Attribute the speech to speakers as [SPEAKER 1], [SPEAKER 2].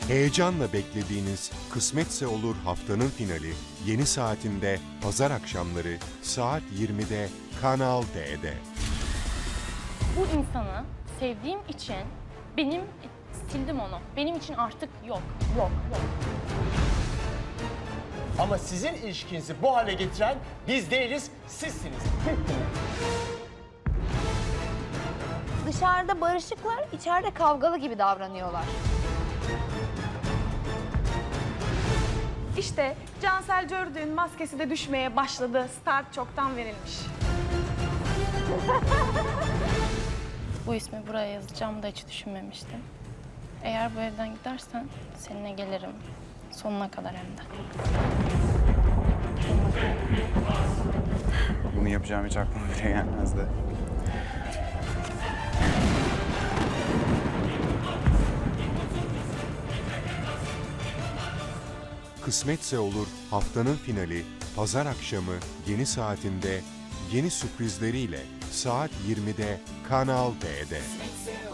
[SPEAKER 1] Heyecanla beklediğiniz Kısmetse Olur haftanın finali yeni saatinde pazar akşamları saat 20'de Kanal D'de.
[SPEAKER 2] Bu insanı sevdiğim için sildim onu. Benim için artık yok.
[SPEAKER 3] Ama sizin ilişkinizi bu hale getiren biz değiliz, sizsiniz.
[SPEAKER 4] Dışarıda barışıklar, içeride kavgalı gibi davranıyorlar.
[SPEAKER 5] İşte Cansel Cördük'ün maskesi de düşmeye başladı. Start çoktan verilmiş.
[SPEAKER 2] Bu ismi buraya yazacağımı da hiç düşünmemiştim. Eğer bu evden gidersen seninle gelirim. Sonuna kadar hem de.
[SPEAKER 6] Bunu yapacağım hiç aklıma bile gelmezdi.
[SPEAKER 1] Kısmetse Olur haftanın finali pazar akşamı yeni saatinde yeni sürprizleriyle saat 20'de Kanal D'de.